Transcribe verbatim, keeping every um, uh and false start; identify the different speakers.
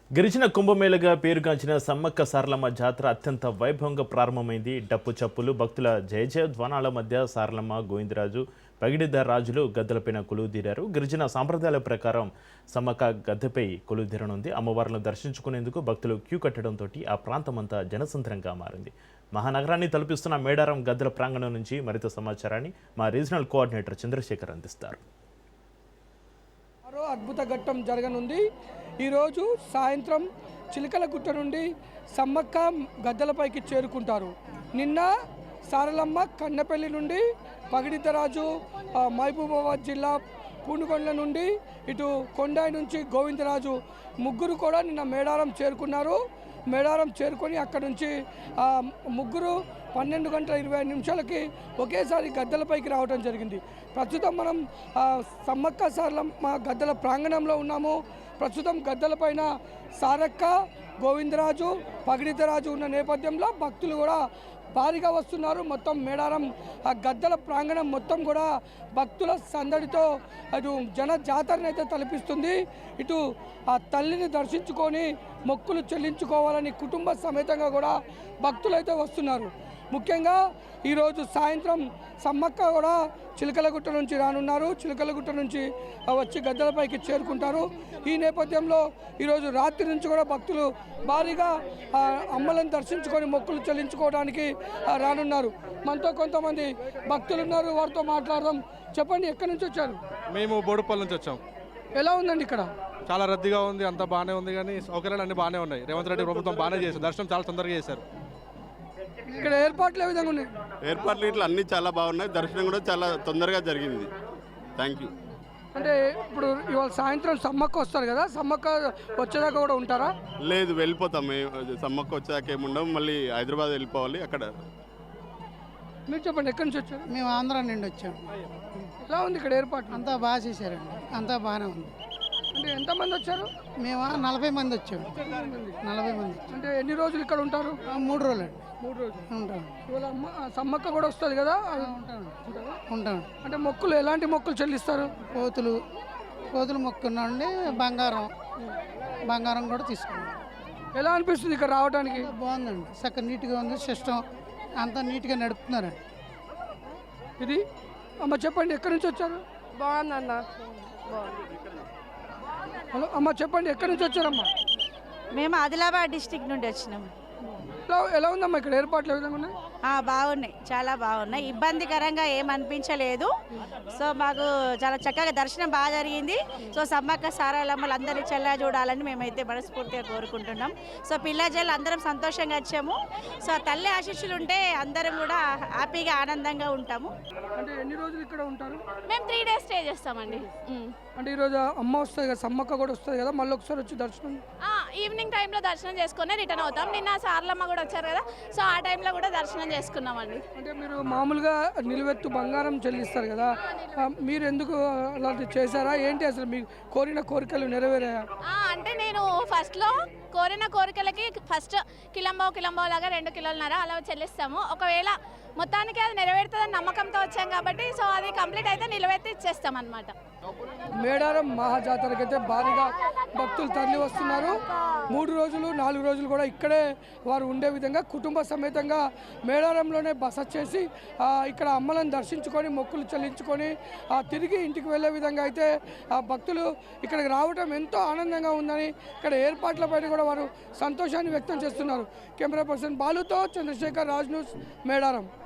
Speaker 1: గిరిజన కుంభమేళగా పేరుగాంచిన సమ్మక్క సారలమ్మ జాతర అత్యంత వైభవంగా ప్రారంభమైంది. డప్పు చప్పులు, భక్తుల జయ జయ ధ్వానాల మధ్య సారలమ్మ, గోవిందరాజు, పగిడిద్దర్ రాజులు గద్దెలపైన కొలువుదీరారు. గిరిజన సాంప్రదాయాల ప్రకారం సమ్మక్క గద్దెపై కొలువుదీరనుంది. అమ్మవార్లను దర్శించుకునేందుకు భక్తులు క్యూ కట్టడంతో ఆ ప్రాంతమంతా జనసంద్రంగా మారింది. మహానగరాన్ని తలపిస్తున్న మేడారం గద్దెల ప్రాంగణం నుంచి మరింత సమాచారాన్ని మా రీజనల్ కోఆర్డినేటర్ చంద్రశేఖర్ అందిస్తారు.
Speaker 2: మరో అద్భుత ఘట్టం జరగనుంది. ఈరోజు సాయంత్రం చిలకలగుట్ట నుండి సమ్మక్క గద్దెలపైకి చేరుకుంటారు. నిన్న సారలమ్మ కన్నెపల్లి నుండి, పగిడిద్దరాజు మహబూబాబాద్ జిల్లా పూనుకొండ నుండి, ఇటు కొండాయి నుంచి గోవిందరాజు ముగ్గురు కూడా నిన్న మేడారం చేరుకున్నారు. మేడారం చేరుకొని అక్కడ నుంచి ముగ్గురు పన్నెండు గంటల ఇరవై ఐదు నిమిషాలకి ఒకేసారి గద్దెలపైకి రావడం జరిగింది. ప్రస్తుతం మనం సమ్మక్క సారలమ్మ గద్దెల ప్రాంగణంలో ఉన్నాము. ప్రస్తుతం గద్దెలపైన సారక్క, గోవిందరాజు, పగిడిద్దరాజు ఉన్న నేపథ్యంలో భక్తులు కూడా భారీగా వస్తున్నారు. మొత్తం మేడారం ఆ గద్దెల ప్రాంగణం మొత్తం కూడా భక్తుల సందడితో అటు జన జాతరని అయితే తలపిస్తుంది. ఇటు ఆ తల్లిని దర్శించుకొని మొక్కులు చెల్లించుకోవాలని కుటుంబ సమేతంగా కూడా భక్తులు అయితే వస్తున్నారు. ముఖ్యంగా ఈరోజు సాయంత్రం సమ్మక్క కూడా చిలకలగుట్ట నుంచి రానున్నారు. చిలకలగుట్ట నుంచి వచ్చి గద్దెలపైకి చేరుకుంటారు. ఈ నేపథ్యంలో ఈరోజు రాత్రి నుంచి కూడా భక్తులు భారీగా అమ్మలను దర్శించుకొని మొక్కులు చెల్లించుకోవడానికి రానున్నారు. మనతో కొంతమంది భక్తులు ఉన్నారు, వారితో మాట్లాడదాం. చెప్పండి, ఎక్కడి నుంచి వచ్చారు?
Speaker 3: మేము బోడుపల్లి నుంచి వచ్చాం.
Speaker 2: ఎలా ఉందండి ఇక్కడ?
Speaker 3: చాలా రద్దీగా ఉంది, అంతా బాగానే ఉంది, కానీ సౌకర్యాలు అన్ని బాగానే ఉన్నాయి. రేవంత్ రెడ్డి ప్రభుత్వం బాగానే చేశారు, దర్శనం చాలా తొందరగా చేశారు.
Speaker 2: ఇక్కడ ఏర్పాట్లు ఏ విధంగా ఉన్నాయి?
Speaker 4: ఏర్పాట్లు ఇట్లా అన్నీ చాలా బాగున్నాయి, దర్శనం కూడా చాలా తొందరగా జరిగింది. Thank you.
Speaker 2: అంటే ఇప్పుడు ఇవాళ సాయంత్రం సమ్మక్క వస్తారు కదా, సమ్మక్క వచ్చేదాకా కూడా ఉంటారా?
Speaker 4: లేదు, వెళ్ళిపోతాం. సమ్మక్క వచ్చేదాకా ఏముండవు, మళ్ళీ హైదరాబాద్ వెళ్ళిపోవాలి. అక్కడ
Speaker 2: మీరు చెప్పండి, ఎక్కడి నుంచి వచ్చారు?
Speaker 5: మేము ఆంధ్ర నుండి వచ్చాము.
Speaker 2: ఎలా ఉంది ఇక్కడ ఏర్పాటు?
Speaker 5: అంతా బాగా చేశారండి, అంతా బాగానే ఉంది.
Speaker 2: అంటే ఎంతమంది వచ్చారు?
Speaker 5: మేము నలభై మంది వచ్చాము. నలభై మంది.
Speaker 2: అంటే ఎన్ని రోజులు ఇక్కడ ఉంటారు?
Speaker 5: మూడు రోజులు అండి.
Speaker 2: మూడు రోజులు
Speaker 5: ఉంటాం.
Speaker 2: ఇవాళ అమ్మ సమ్మక్క కూడా వస్తుంది కదా,
Speaker 5: ఉంటాను ఉంటాం.
Speaker 2: అంటే మొక్కులు ఎలాంటి మొక్కులు చెల్లిస్తారు?
Speaker 5: కోతులు కోతులు మొక్కున్నాండి. బంగారం బంగారం కూడా తీసుకున్నాం.
Speaker 2: ఎలా అనిపిస్తుంది ఇక్కడ రావడానికి?
Speaker 5: బాగుందండి, చక్కగా నీట్గా ఉంది, సిస్టమ్ అంతా నీట్గా నడుపుతున్నారండి.
Speaker 2: ఇది అమ్మ చెప్పండి, ఎక్కడి నుంచి వచ్చారు?
Speaker 6: బాగుందన్న.
Speaker 2: హలో అమ్మ చెప్పండి, ఎక్కడి నుంచి వచ్చారమ్మా?
Speaker 6: మేము ఆదిలాబాద్ డిస్టిక్ నుండి వచ్చినాము.
Speaker 2: ఎలా ఎలా ఉందమ్మా ఇక్కడ ఏర్పాట్లు ఏ విధంగా ఉన్నాయి?
Speaker 6: బాగున్నాయి, చాలా బాగున్నాయి, ఇబ్బందికరంగా ఏమనిపించలేదు. సో మాకు చాలా చక్కగా దర్శనం బాగా జరిగింది. సో సమ్మక్క సారలమ్మలు అందరినీ చల్లగా చూడాలని మేమైతే మనస్ఫూర్తిగా కోరుకుంటున్నాం. సో పిల్లజల్లు అందరం సంతోషంగా వచ్చాము. సో తల్లి ఆశీస్సులు ఉంటే అందరం కూడా హ్యాపీగా ఆనందంగా ఉంటాము.
Speaker 2: అంటే ఎన్ని రోజులు ఇక్కడ ఉంటారు?
Speaker 7: మేము త్రీ డేస్ స్టే చేస్తామండి.
Speaker 2: అంటే ఈరోజు అమ్మ వస్తుంది కదా, సమ్మక్క కూడా వస్తుంది కదా, మళ్ళీ ఒకసారి వచ్చి దర్శనం
Speaker 7: ఈవినింగ్ టైంలో దర్శనం చేసుకుని రిటర్న్ అవుతాం. నిన్న సారలమ్మ కూడా వచ్చారు కదా, సో ఆ టైంలో కూడా దర్శనం చేసుకున్నామండి.
Speaker 2: అంటే మీరు మామూలుగా నిలువెత్తు బంగారం చెల్లిస్తారు కదా, మీరు ఎందుకు అలాంటివి చేశారా ఏంటి? అసలు మీకు కోరిన కోరికలు నెరవేరాయా?
Speaker 7: అంటే నేను ఫస్ట్లో కోరిన కోరికలకి ఫస్ట్ కిలంబో కిలంబో లాగా రెండు కిలోలన్నర అలా చెల్లిస్తాము. ఒకవేళ మొత్తానికి అది నెరవేరుతుందని నమ్మకంతో వచ్చాం కాబట్టి సో అది కంప్లీట్ అయితే నిలబెట్టి ఇచ్చేస్తాం అనమాట.
Speaker 2: మేడారం మహాజాతరకైతే భారీగా భక్తులు తరలి వస్తున్నారు. మూడు రోజులు నాలుగు రోజులు కూడా ఇక్కడే వారు ఉండే విధంగా కుటుంబ సమేతంగా మేడారంలోనే బస చేసి ఇక్కడ అమ్మలను దర్శించుకొని మొక్కులు చెల్లించుకొని తిరిగి ఇంటికి వెళ్ళే విధంగా అయితే భక్తులు ఇక్కడికి రావడం ఎంతో ఆనందంగా ఉందని ఇక్కడ ఏర్పాట్లపైన కూడా వారు సంతోషాన్ని వ్యక్తం చేస్తున్నారు. కెమెరా పర్సన్ బాలుతో చంద్రశేఖర్, రాజ్ న్యూస్, మేడారం.